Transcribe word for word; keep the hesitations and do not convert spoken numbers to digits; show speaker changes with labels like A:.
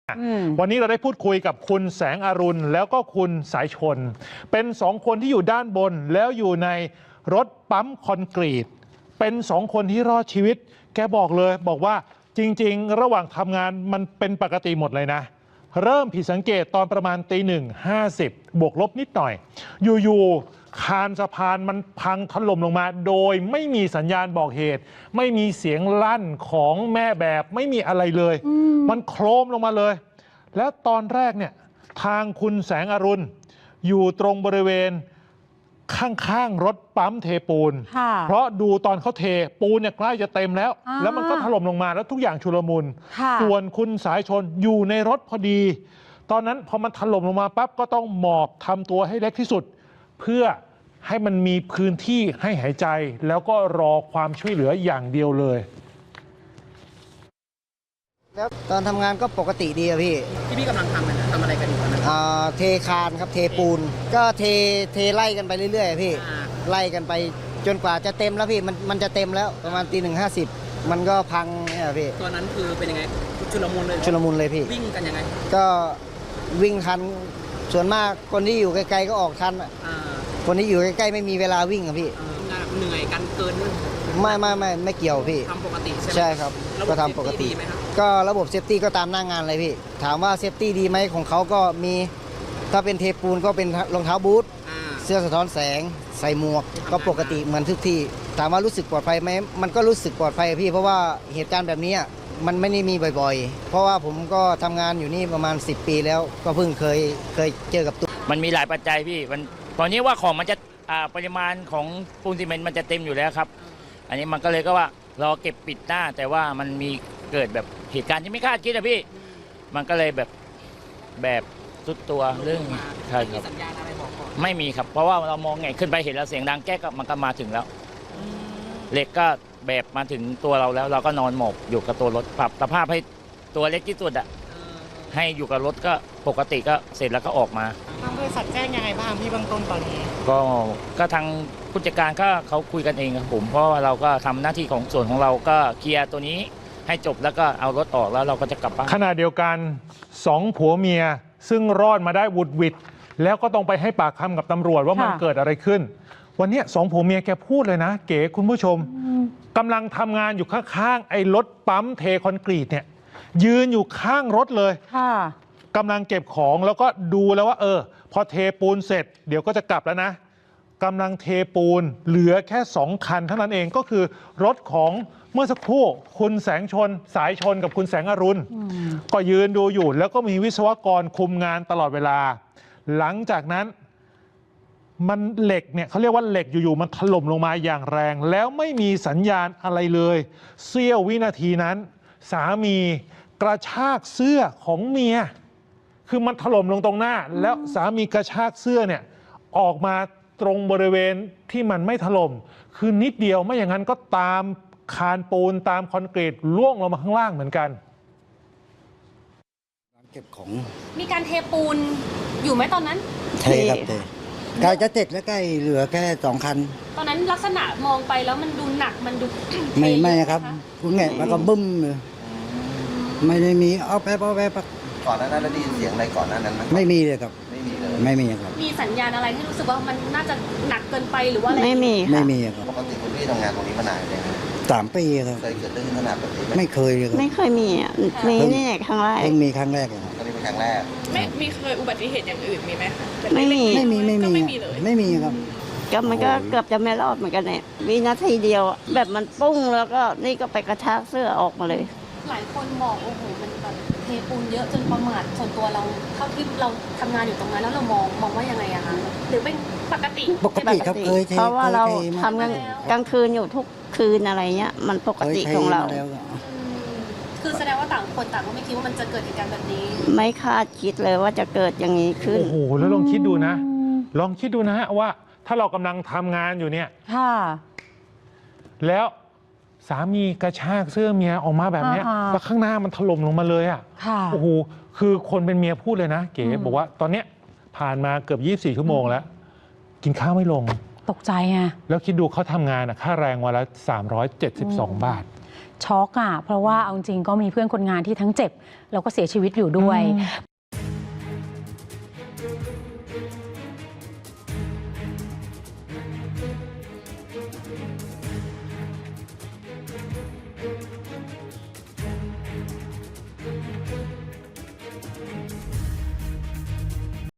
A: วันนี้เราได้พูดคุยกับคุณแสงอรุณแล้วก็คุณสายชนเป็นสองคนที่อยู่ด้านบนแล้วอยู่ในรถปั๊มคอนกรีตเป็นสองคนที่รอดชีวิตแกบอกเลยบอกว่าจริงๆระหว่างทำงานมันเป็นปกติหมดเลยนะเริ่มผิดสังเกตตอนประมาณตีหนึ่งห้าสิบบวกลบนิดหน่อยอยู่ๆคานสะพานมันพังถล่มลงมาโดยไม่มีสัญญาณบอกเหตุไม่มีเสียงลั่นของแม่แบบไม่มีอะไรเลยมันโครมลงมาเลยแล้วตอนแรกเนี่ยทางคุณแสงอรุณอยู่ตรงบริเวณข้างๆรถปั๊มเทปูนเพราะดูตอนเขาเทปูนเนี่ยใกล้จะเต็มแล้วแล้วมันก็ถล่มลงมาแล้วทุกอย่างชุลมุนส่วนคุณสายชนอยู่ในรถพอดีตอนนั้นพอมันถล่มลงมาปั๊บก็ต้องหมอบทำตัวให้เล็กที่สุดเพื่อให้มันมีพื้นที่ให้หายใจแล้วก็รอความช่วยเหลืออย่างเดียวเลย
B: แล้วตอนทำงานก็ปกติดีอะพี่
C: ที่พี่กำลังทำนะทำอะไรกันอยู่ตอนนั้น
B: อ่าเทคานครับเทปูนก็เทเทไล่กันไปเรื่อยๆพี่ไล่กันไปจนกว่าจะเต็มแล้วพี่มันมันจะเต็มแล้วประมาณตีหนึ่งห้าสิบมันก็พังเนี่ยพี่
C: ตอนนั้นคือเป็นยังไงชุลมุนเลย
B: ชุลมุนเลยพี่
C: วิ่งกันยังไง
B: ก็วิ่งทันส่วนมากคนที่อยู่ไกลๆก็ออกทันคนที่อยู่ใกล้ๆไม่มีเวลาวิ่งอะพี่
C: เหนื่อยกันเกิน
B: ไม่ไม่ไม่ไม่เกี่ยวพี่
C: ทำปกติใช่ไหม
B: ใช่ครับก็ทำปกติก็ระบบเซฟตี้ก็ตามหน้างานเลยพี่ถามว่าเซฟตี้ดีไหมของเขาก็มีถ้าเป็นเทปูนก็เป็นรองเท้าบูทเสื้อสะท้อนแสงใส่หมวกก็ปกติเหมือนทุกที่ถามว่ารู้สึกปลอดภัยไหมมันก็รู้สึกปลอดภัยพี่เพราะว่าเหตุการณ์แบบนี้มันไม่ได้มีบ่อยๆเพราะว่าผมก็ทำงานอยู่นี่ประมาณสิบปีแล้วก็เพิ่งเคยเคยเจอกับตัว
D: มันมีหลายปัจจัยพี่มันตอนนี้ว่าของมันจะปริมาณของปูนซีเมนต์มันจะเต็มอยู่แล้วครับอันนี้มันก็เลยก็ว่ารอเก็บปิดหน้าแต่ว่ามันมีเกิดแบบเหตุการณ์ที่ไม่คาดคิดอะพี่มันก็เลยแบบแบบสุดตัวเรื่องใช่ครับไม่มีครับเพราะว่าเรามองไงขึ้นไปเห็นแล้วเสียงดังแก๊กมันก็มาถึงแล้วเหล็กก็แบบมาถึงตัวเราแล้วเราก็นอนหมอบอยู่กับตัวรถปรับสภาพให้ตัวเล็กที่สุดอะให้อยู่กับรถก็ปกติก็เสร็จแล้วก็ออกมา
E: ทางบริษัทแจ้งยังไงบ้างพี่เบื้องต้นตอนนี้
D: ก็ก็ทางผู้จัดการก็เขาคุยกันเองครับผมเพราะว่าเราก็ทำหน้าที่ของส่วนของเราก็เคลียร์ตัวนี้ให้จบแล้วก็เอารถออกแล้วเราก็จะกลับบ้าน
A: ขณะเดียวกันสองผัวเมียซึ่งรอดมาได้วุดวิดแล้วก็ต้องไปให้ปากคำกับตำรวจว่ามันเกิดอะไรขึ้นวันนี้สองผัวเมียแกพูดเลยนะเก๋คุณผู้ชมกำลังทำงานอยู่ข้างๆไอ้รถปั๊มเทคอนกรีตเนี่ยยืนอยู่ข้างรถเลยกำลังเก็บของแล้วก็ดูแล้วว่าเออพอเทปูนเสร็จเดี๋ยวก็จะกลับแล้วนะกำลังเทปูนเหลือแค่สองคันเท่านั้นเองก็คือรถของเมื่อสักครู่คุณแสงชนสายชนกับคุณแสงอรุณก็ยืนดูอยู่แล้วก็มีวิศวกรคุมงานตลอดเวลาหลังจากนั้นมันเหล็กเนี่ยเขาเรียกว่าเหล็กอยู่ๆมันถล่มลงมาอย่างแรงแล้วไม่มีสัญญาณอะไรเลยเสี้ยววินาทีนั้นสามีกระชากเสื้อของเมียคือมันถล่มลงตรงหน้าแล้วสามีกระชากเสื้อเนี่ยออกมาตรงบริเวณที่มันไม่ถล่มคือนิดเดียวไม่อย่างนั้นก็ตามคานปูนตามคอนกรีตล่วงลงมาข้างล่างเหมือนกัน
B: เก็บของ
F: มีการเทปูนอยู่ไหมตอนนั้น
B: เทครับเทใกล้จะเสร็จแล้วใกล้เหลือแค่สองคัน
F: ตอนนั้นลักษณะมองไปแล้วมันดูหนักมันดู
B: ไม่ไม่ครับคุณแง่แล้วก็บึ้มเลยไม่ได้มีเอาแป๊บเอาแป๊บ
G: ก่อนหน้านั้นได้ยินเสียงอะไรก่อนหน้านั้นไหม
B: ไม่มีเลยครับ
G: ไม่มีเลย
B: ไม่มีครับ
F: มีสัญญาณอะไรที่รู้สึกว่ามันน่าจะหนักเกินไปหรือว่าอะไร
E: ไม่มี
B: ไม่มีครับ
G: ปกติคุณพี่ทำงานตรงนี้มานานเลย
B: สามปีครับ
G: เคยเกิดเรื่องขนาดแบบนี้ไหม
B: ไม่เคยเลยครับ
E: ไม่เคยมีอ่ะมีนี่ครั้งแรก
B: เพิ่งมีครั้งแรกครับ
G: อันนี้เป็นครั้งแรก
H: ไม่มีเคยอุบัติเหตุอย่างอื่นมีไหมคะ
E: ไม่มี
B: ไม่มีไม่มี
H: ไม่มีเลย
B: ไม่มีครับ
E: ก็มันก็เกือบจะไม่รอดเหมือนกันเนี่ยวินาทีเดียวแบบมันปุ้งแล้วก็นี่ก็ไปกระชากเสื้อออกมาเลย
F: หลายคนบอกโอ้โหมันแบบเทปูนเยอะจนประมาทส่วนตัวเราเท่าที่เราทำงานอยู่ตรงนั้นแล้วเรามองมองว่ายังไงอะคะหรือเป็นปกติ
B: ปกติครับเคย
E: เพราะว่าเราทำกลางคืนอยู่ทุกคืนอะไรเงี้ยมันปกติของเรา
F: คือแสดงว่าต่างคนต่างก็ไม่คิดว่ามันจะเกิดเหตุการณ์แบบนี้
E: ไม่คาดคิดเลยว่าจะเกิดอย่างนี้ขึ้น
A: โอ้โหแล้วลองคิดดูนะลองคิดดูนะฮะว่าถ้าเรากำลังทำงานอยู่เนี่ยแล้วสามีกระชากเสื้อเมียออกมาแบบนี้แล้วข้างหน้ามันถล่มลงมาเลยอ่ะโอ้โหคือคนเป็นเมียพูดเลยนะเก๋บอกว่าตอนเนี้ยผ่านมาเกือบยี่สิบสี่ชั่วโมงแล้วกินข้าวไม่ลง
I: ตกใจไง
A: แล้วคิดดูเขาทำงานอ่ะค่าแรงวันละสามร้อยเจ็ดสิบสองบาท
I: ช็อกอะเพราะว่าเอาจริงๆก็มีเพื่อนคนงานที่ทั้งเจ็บแล้วก็เสียชีวิตอยู่ด้วย